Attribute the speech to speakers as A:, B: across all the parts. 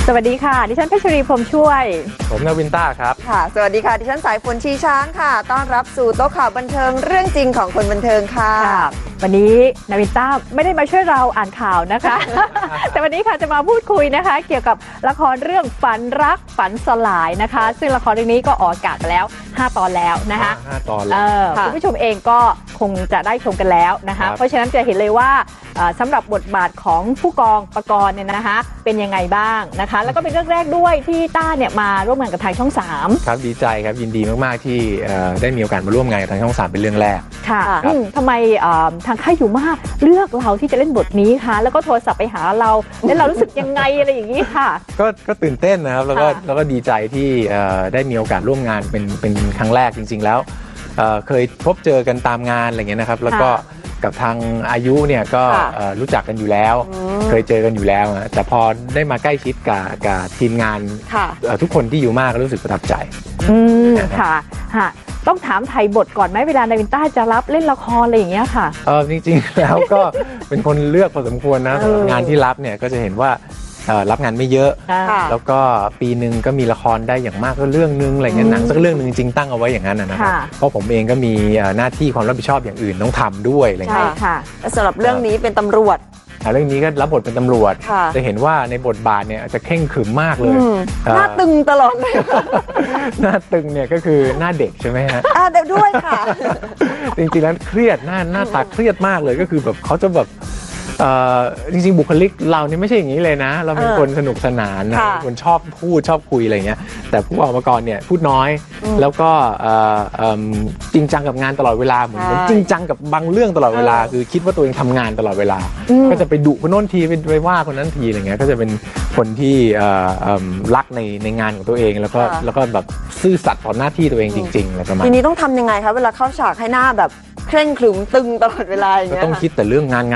A: สวัสดีค่ะดิฉันเพชรีพรหมช่วย
B: ผมนาวินต้าครับ
C: ค่ะสวัสดีค่ะดิฉันสายฝนชีช้างค่ะต้อนรับสู่โต๊ะข่าวบันเทิงเรื่องจริงของคนบันเทิงค่ะ
A: วันนี้นาวินต้าไม่ได้มาช่วยเราอ่านข่าวนะคะ แต่วันนี้ค่ะจะมาพูดคุยนะคะเกี่ยวกับละครเรื่องฝันรักฝันสลายนะคะซึ่งละครเรื่องนี้ก็ออกอากาศไปแล้ว5 ตอนแล้วนะคะ
B: 5 ตอนแล้ว
A: คุณผู้ชมเองก็คงจะได้ชมกันแล้วนะคะเพราะฉะนั้นจะเห็นเลยว่าสำหรับบทบาทของผู้กองปกรณ์เนี่ยนะคะเป็นยังไงบ้างนะคะแล้วก็เป็นเรื่องแรกด้วยที่ต้าเนี่ยมาร่วมงานกับทางช่อง3
B: ครับดีใจครับยินดีมากๆที่ได้มีโอกาสมาร่วมงานกับทางช่อง3เป็นเรื่องแรก
A: ค่ะทำไมทางค่ายอยู่มากเลือกเราที่จะเล่นบทนี้คะแล้วก็โทรศัพท์ไปหาเราแล้วเรารู้สึกยังไงอะไรอย่างนี้ค่ะ
B: ก็ตื่นเต้นนะครับแล้วก็ดีใจที่ได้มีโอกาสร่วมงานเป็นครั้งแรกจริงๆแล้วเคยพบเจอกันตามงานอะไรเงี้ยนะครับแล้วก็กับทางอายุเนี่ยก็รู้จักกันอยู่แล้วเคยเจอกันอยู่แล้วแต่พอได้มาใกล้ชิดกับทีมงานทุกคนที่อยู่มากก็รู้สึกประทับใจ
A: ค่ะต้องถามไทยบทก่อนไหมเวลานาวินต้าจะรับเล่นละครอะไรอย่างเงี้ยค่ะ
B: จริงๆแล้วก็เป็นคนเลือกพอสมควรนะงานที่รับเนี่ยก็จะเห็นว่ารับงานไม่เยอะแล้วก็ปีหนึ่งก็มีละครได้อย่างมากก็เรื่องนึงอะไรเงี้ยหนังสักเรื่องนึงจริงๆตั้งเอาไว้อย่างนั้นนะครับเพราะผมเองก็มีหน้าที่ความรับผิดชอบอย่างอื่นต้องทำด้วยอะไรเงี้ย
C: และสำหรับเรื่องนี้เป็นตำรวจ
B: เรื่องนี้ก็รับบทเป็นตำรวจจะเห็นว่าในบทบาทเนี่ยจะเข่งขรึมมากเลย
C: หน้าตึงตลอดเลย
B: หน้าตึงเนี่ยก็คือหน้าเด็กใช่ไหมฮะ
C: เด็กด้วยค่ะ
B: จริงๆแล้วเครียดหน้าตาเครียดมากเลยก็คือแบบเขาจะแบบจริงๆบุคลิกเรานี่ไม่ใช่อย่างนี้เลยนะเราเป็นคนสนุกสนานนะคนชอบพูดชอบคุยอะไรเงี้ยแต่ผู้ออกมาก่อนเนี่ยพูดน้อยแล้วก็จริงจังกับงานตลอดเวลาเหมือนจริงจังกับบางเรื่องตลอดเวลาคือคิดว่าตัวเองทำงานตลอดเวลาก็จะไปดุคนโน้นทีไปว่าคนนั้นทีอะไรเงี้ยก็จะเป็นคนที่รักในงานของตัวเองแล้วก็แบบซื่อสัตย์ต่อหน้าที่ตัวเองจริงๆอะไรประมาณ
C: ทีนี้ต้องทำยังไงคะเวลาเข้าฉากให้หน้าแบบเคร่งขรึมตึงตลอดเวลาอย่างเงี้ย
B: ต้องคิดแต่เรื่องงาน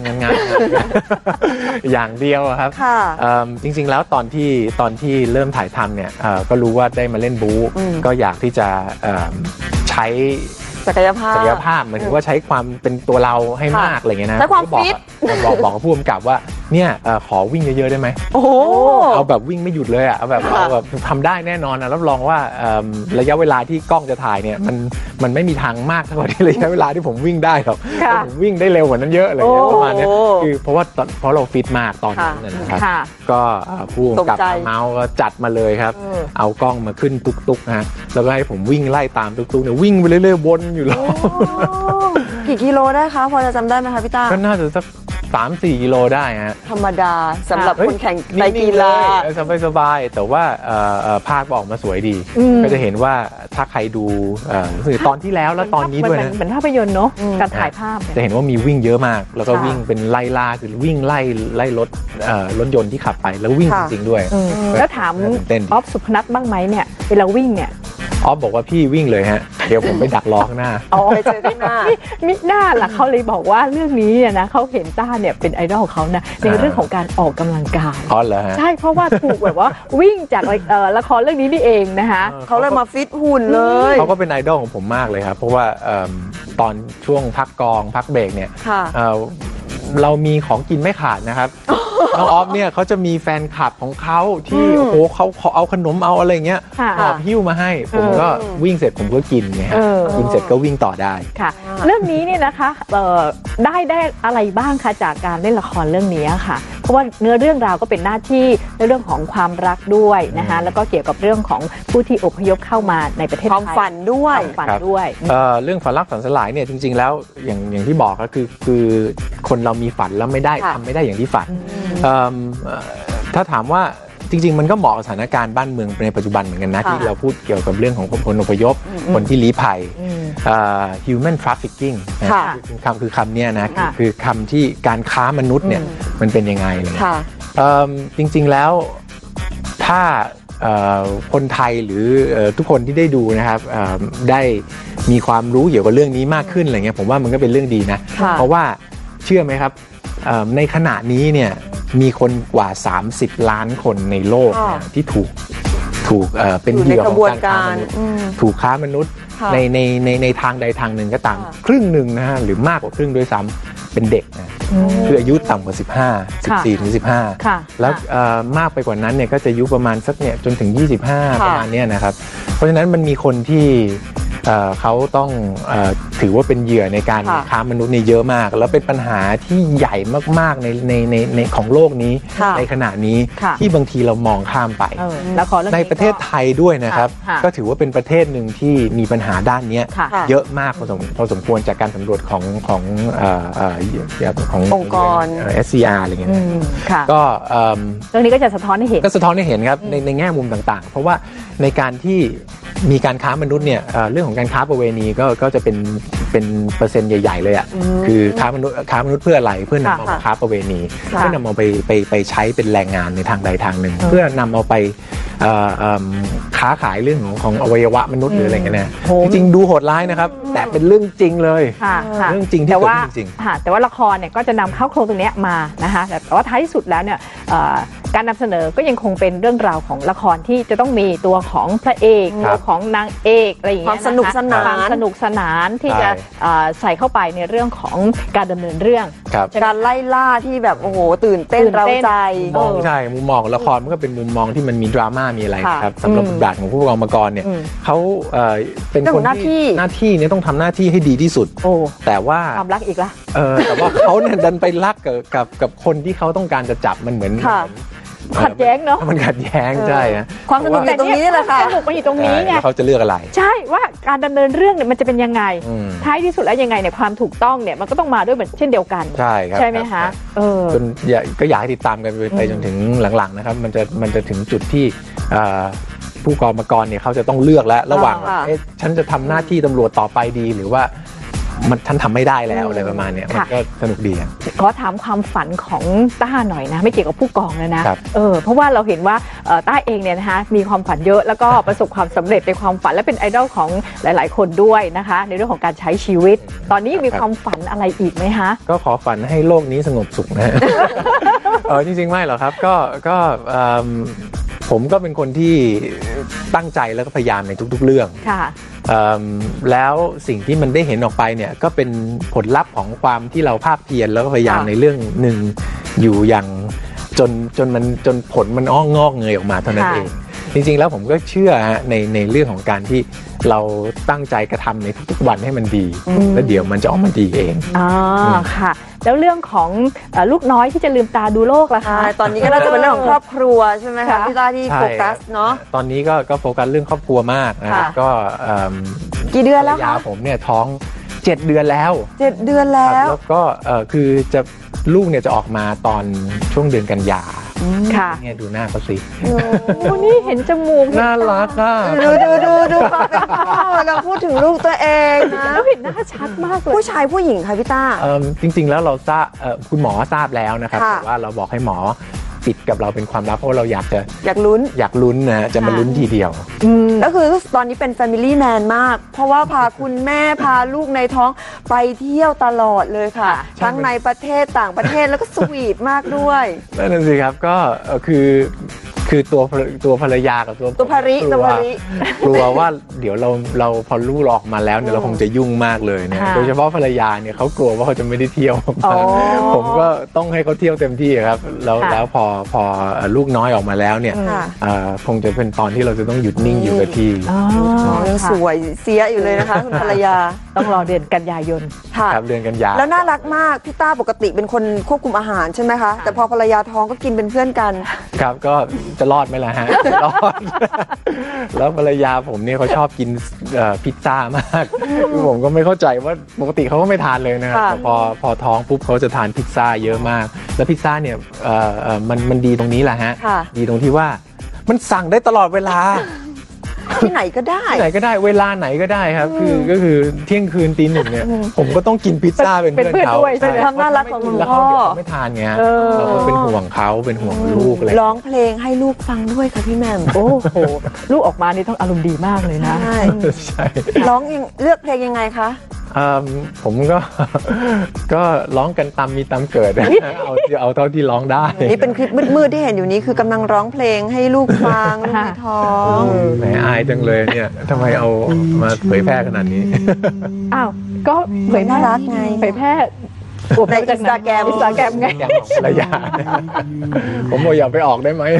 B: อย่างเดียวครับจริงๆแล้วตอนที่เริ่มถ่ายทำเนี่ยก็รู้ว่าได้มาเล่นบู๊ก็อยากที่จะใช้
C: ศักยภาพ
B: เหมือนว่าใช้ความเป็นตัวเราให้มากอะไรเงี้ยนะ
C: ใช้ความฟิต
B: บอกกับผู้กำกับว่าเนี่ยขอวิ่งเยอะๆได้ไหม
C: โอ้
B: เอาแบบวิ่งไม่หยุดเลยเอาแบบทำได้แน่นอนนะรับรองว่าระยะเวลาที่กล้องจะถ่ายเนี่ยมันไม่มีทางมากเท่าที่ระยะเวลาที่ผมวิ่งได้หรอกผมวิ่งได้เร็วกว่านั้นเยอะเลยประมาณนี้คือเพราะเราฟิตมากตอนนั้นนะครับก็ผู้กำกับเมาส์ก็จัดมาเลยครับเอากล้องมาขึ้นตุ๊กๆนะแล้วก็ให้ผมวิ่งไล่ตามตุ๊กๆเนี่ยวิ่งไปเรื่อยๆวนอยู่แล้ว
C: กี่กิโลได้คะพอจะจำได้ไหมคะพี่ต้า
B: ก็น่าจะสัก3-4 กิโลได้ฮะ
C: ธรรมดาสำหรับคนแข่งในกีฬา
B: สบายแต่ว่าภาพออกมาสวยดีก็จะเห็นว่าถ้าใครดูตอนที่แล้วแล้วตอนนี้ด้วยนะ
A: เหมือนภาพยนตร์เนาะการถ่ายภาพ
B: จะเห็นว่ามีวิ่งเยอะมากแล้วก็วิ่งเป็นไล่ล่าคือวิ่งไล่รถยนต์ที่ขับไปแล้ววิ่งจริงๆด้วย
A: แล้วถามออฟสุพนัทบ้างไหมเนี่ยเวลาวิ่งเนี่ย
B: ออฟบอกว่าพี่วิ่งเลยฮะเดี๋ยวผมไปดักล้อข้างหน้า
C: ไปเจอข้างหน้า
A: มิหน้าล่ะเขาเลยบอกว่าเรื่องนี้เนี่ยนะเขาเห็นต้าเนี่ยเป็นไอดอลของเขานะในเรื่องของการออกกำลังกาย
B: เหรอฮะ
A: ใช่เพราะว่าถูกแบบว่าวิ่งจากละครเรื่องนี้นี่เองนะคะ
C: เขาเลยมาฟิตหุ่นเลย
B: เขาก็เป็นไอดอลของผมมากเลยครับเพราะว่าตอนช่วงพักกองพักเบรกเนี่ยเรามีของกินไม่ขาดนะครับน้องออฟเนี่ยเขาจะมีแฟนคลับของเขาที่โอ้โหเขาเอาขนมเอาอะไรเงี้ยหอบหิ้วมาให้ผมก็วิ่งเสร็จผมก็กินไงกินเสร็จก็วิ่งต่อได้
A: ค่ะเรื่องนี้เนี่ยนะคะได้อะไรบ้างคะจากการเล่นละครเรื่องนี้ค่ะเพราะว่าเนื้อเรื่องราวก็เป็นหน้าที่ในเรื่องของความรักด้วยนะคะแล้วก็เกี่ยวกับเรื่องของผู้ที่อพยพเข้ามาในประเทศไทย
C: ความฝันด้วย
B: เรื่องฝันรักฝันสลายเนี่ยจริงๆแล้วอย่างที่บอกก็คือคนเรามีฝันแล้วไม่ได้ทำไม่ได้อย่างที่ฝันถ้าถามว่าจริงๆมันก็เหมาะกับสถานการณ์บ้านเมืองในปัจจุบันเหมือนกันนะที่เราพูดเกี่ยวกับเรื่องของคนอพยพคนที่ลี้ภัยhuman trafficking คือคำนี้นะคือคำที่การค้ามนุษย์เนี่ยมันเป็นยังไงเลยจริงๆแล้วถ้าคนไทยหรือทุกคนที่ได้ดูนะครับได้มีความรู้เกี่ยวกับเรื่องนี้มากขึ้นอะไรเงี้ยผมว่ามันก็เป็นเรื่องดีนะเพราะว่าเชื่อไหมครับในขณะนี้เนี่ยมีคนกว่า30 ล้านคนในโลกที่ถูกเป็นเหยื่อของการค้ามนุษย์ถูกค้ามนุษย์ในทางใดทางหนึ่งก็ตามครึ่งหนึ่งนะฮะหรือมากกว่าครึ่งด้วยซ้ำเป็นเด็กนะคืออายุต่ำกว่า15 14ถึง
A: ค่ะ
B: 15แล้วมากไปกว่านั้นเนี่ยก็จะอายุประมาณสักเนี่ยจนถึง25ประมาณเนี้ยนะครับเพราะฉะนั้นมันมีคนที่เขาต้องถือว่าเป็นเหยื่อในการค้ามนุษย์เนี่ยเยอะมากแล้วเป็นปัญหาที่ใหญ่มากๆในของโลกนี้ในขณะนี้ที่บางทีเรามองข้ามไปในประเทศไทยด้วยนะครับก็ถือว่าเป็นประเทศหนึ่งที่มีปัญหาด้านนี้เยอะมากพอสมควรจากการสำรวจของ
C: องค์กร
B: SCR อะไรเงี้ยก็
A: เรื่องนี้ก็จะสะท้อนให้เห็น
B: ครับในแง่มุมต่างๆเพราะว่าในการที่มีการค้ามนุษย์เนี่ยเรื่องของการค้าประเวณีก็จะเป็นเปอร์เซ็นต์ใหญ่ๆเลยอ่ะคือค้ามนุษย์เพื่ออะไรเพื่อนำเอามาค้าประเวณีเพื่อนำเอาไปใช้เป็นแรงงานในทางใดทางหนึ่งเพื่อนำเอาไปค้าขายเรื่องของอวัยวะมนุษย์หรืออะไรเงี้ยนะจริงๆดูโหดร้ายนะครับแต่เป็นเรื่องจริงเลยเรื่องจริงที่เกิดขึ้นจริง
A: แต่ว่าละครเนี่ยก็จะนำเข้าโครงตรงนี้มานะคะแต่ว่าท้ายที่สุดแล้วเนี่ยการนำเสนอก็ยังคงเป็นเรื่องราวของละครที่จะต้องมีตัวของพระเอกตัวของนางเอกอะไรอย่างเงี้ย
C: ความสนุกส
A: นานที่จะใส่เข้าไปในเรื่องของการดำเนินเรื่อง
C: การไล่ล่าที่แบบโอ้โหตื่นเต้นเร้าใจ
B: ใช่มุมมองละครมันก็เป็นมุมมองที่มันมีดราม่ามีอะไรครับสำหรับบทบาทของผู้กองกรเนี่ยเขาเป็นคนที่หน้าที่เนี่ยต้องทำหน้าที่ให้ดีที่สุดแต่ว่า
A: ความรักอีกละ
B: แต่ว่าเขาเนี่ยดันไปรักกับคนที่เขาต้องการจะจับมันเหมือน
A: ขัดแย้งเนาะ
B: มันขัดแย้งใช่
C: ความสนุกอยู่ตรงนี้แหละค่ะ
A: สนุกมันอยู่ตรงนี้ไง
B: เขาจะเลือกอะไร
A: ใช่ว่าการดำเนินเรื่องเนี่ยมันจะเป็นยังไงท้ายที่สุดแล้วยังไงเนี่ยความถูกต้องเนี่ยมันก็ต้องมาด้วยเหมือนเช่นเดียวกัน
B: ใช่ครับ
A: ใช่ไหมคะ
B: จนก็อยากให้ติดตามกันไปจนถึงหลังๆนะครับมันจะถึงจุดที่ผู้กองเนี่ยเขาจะต้องเลือกแล้วระหว่างฉันจะทำหน้าที่ตำรวจต่อไปดีหรือว่ามันฉันทำไม่ได้แล้วอะไรประมาณนี้มันก็สนุกดี
A: ขอถามความฝันของต้าหน่อยนะไม่เกี่ยวกับผู้กองนะเพราะว่าเราเห็นว่าต้าเองเนี่ยนะคะมีความฝันเยอะแล้วก็ประสบความสำเร็จในความฝันและเป็นไอดอลของหลายๆคนด้วยนะคะในเรื่องของการใช้ชีวิตตอนนี้มีความฝันอะไรอีกไหมคะ
B: ก็ขอฝันให้โลกนี้สงบสุขนะจริงๆไม่หรอกครับก็ผมก็เป็นคนที่ตั้งใจแล้วก็พยายามในทุกๆเรื่องแล้วสิ่งที่มันได้เห็นออกไปเนี่ยก็เป็นผลลัพธ์ของความที่เราภาคเพียรแล้วก็พยายามในเรื่องหนึ่งอยู่อย่างจนผลมันงอกเงยออกมาเท่านั้นเองจริงๆแล้วผมก็เชื่อในเรื่องของการที่เราตั้งใจกระทำในทุกๆวันให้มันดีแล้วเดี๋ยวมันจะออกมาดีเอง
A: ค่ะแล้วเรื่องของลูกน้อยที่จะลืมตาดูโลกล่ะคะ
C: ตอนนี้ก็น่าจะเป็นเรื่องของครอบครัวใช่ไหมคะพี่ต้าที่โฟกัสเนาะ
B: ตอนนี้ก็โฟกัสเรื่องครอบครัวมากนะครับก็
C: กี่เดือนแล้วคะ
B: ผมเนี่ยท้อง7 เดือนแล้ว
C: 7 เดือนแล้ว
B: ก็คือจะลูกเนี่ยจะออกมาตอนช่วงเดือนกันยาเนี่ยดูหน้าเขาสิ
A: นี่เห็นจมูก
B: น่ารักอ่ะ
C: ดูความเป็นพ่อเราพูดถึงลูกตัวเองนะ
A: แล้วเห็นหน้าชัดมากเลย
C: ผู้ชายผู้หญิงค่ะพี่ต้า
B: จริงๆแล้วเราทราบคุณหมอทราบแล้วนะครับแต่ว่าเราบอกให้หมอปิดกับเราเป็นความลับเพราะเราอยากลุ้นนะจะมาลุ้นทีเดียว
C: ก็คือตอนนี้เป็น Family Man มากเพราะว่าพาคุณแม่พาลูกในท้องไปเที่ยวตลอดเลยค่ะทั้งในประเทศต่างประเทศแล้วก็สวีทมากด้วย
B: นั่นสิครับก็คือตัวภรรยากับ
C: ตัวภริ
B: กลัวว่าเดี๋ยวเราพอลูกออกมาแล้วเนี่ยเราคงจะยุ่งมากเลยเนี่ยโดยเฉพาะภรรยาเนี่ยเขากลัวว่าเขาจะไม่ได้เที่ยวผมก็ต้องให้เขาเที่ยวเต็มที่ครับแล้วพอลูกน้อยออกมาแล้วเนี่ยคงจะเป็นตอนที่เราจะต้องหยุดนิ่งอยู่กับที่
C: ยังสวยเสียอยู่เลยนะคะคุณภรรยา
A: ต้องรอเดือนกันยายน
B: ครับเดือนกันยา
C: แล้วน่ารักมากพี่ต้าปกติเป็นคนควบคุมอาหารใช่ไหมคะแต่พอภรรยาท้องก็กินเป็นเพื่อนกัน
B: ครับก็จะรอดไหมล่ะฮะรอดแล้วภรรยาผมเนี่ยเขาชอบกินพิซซ่ามากผมก็ไม่เข้าใจว่าปกติเขาก็ไม่ทานเลยนะครับแต่พอท้องปุ๊บเขาจะทานพิซซ่าเยอะมากแล้วพิซซ่าเนี่ยมันดีตรงนี้แหละฮะดีตรงที่ว่ามันสั่งได้ตลอดเวลา
C: ที่ไหนก็ได้
B: เวลาไหนก็ได้ครับก็คือเที่ยงคืนตี 1เนี่ยผมก็ต้องกินพิซซ่าเป็นเพื่อนเขา
C: เป็นความน่ารักของคุณพ่อ
B: ไม่ทานไงเราก็เป็นห่วงเขาเป็นห่วงลูกอะไร
C: ร้องเพลงให้ลูกฟังด้วยค่ะพี่แม่
A: โอ้โหลูกออกมานี่ต้องอารมณ์ดีมากเลยนะ
B: ใช่
C: ร้องเลือกเพลงยังไงคะ
B: ผมก็ร้องกันตามมีตามเกิดเอาเท่าที่ร้องได้
C: นี่เป็นคลิปมืดๆที่เห็นอยู่นี้คือกำลังร้องเพลงให้ลูกฟังลูกในท้อง
B: แหมอายจังเลยเนี่ยทำไมเอามาเผยแพร่ขนาดนี้
A: อ้าวก็เผย
C: น่ารักไง
A: เผยแพร่
C: ใน Instagram
A: ไง
B: อย่างของภรรยาผมบอกอย่าไปออกได้ไหม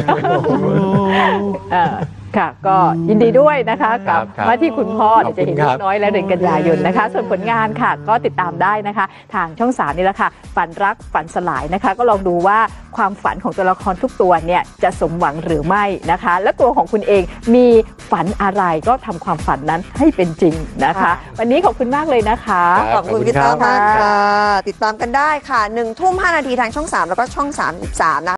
A: ค่ะก็ยินดีด้วยนะคะกับ
B: ครับ
A: ว่าที่คุณพ่อ
B: ขอบคุณ
A: จะเห็น
B: ครั
A: ลู
B: บ
A: กน้อยและเดือนกันยายนนะคะ ส่วนผลงานค่ะก็ติดตามได้นะคะ ทางช่อง3นี่แหละค่ะฝันรักฝันสลายนะคะ ก็ลองดูว่าความฝันของตัวละครทุกตัวเนี่ยจะสมหวังหรือไม่นะคะ และตัวของคุณเองมีฝันอะไรก็ทำความฝันนั้นให้เป็นจริงนะคะ วันนี้ขอบคุณมากเลยนะคะ
C: ขอบคุณพี่ต้อมากค่ะ ติดตามกันได้ค่ะ1 ทุ่ม 5 นาทีทางช่อง 3 แล้วก็ช่อง 33 นะคะ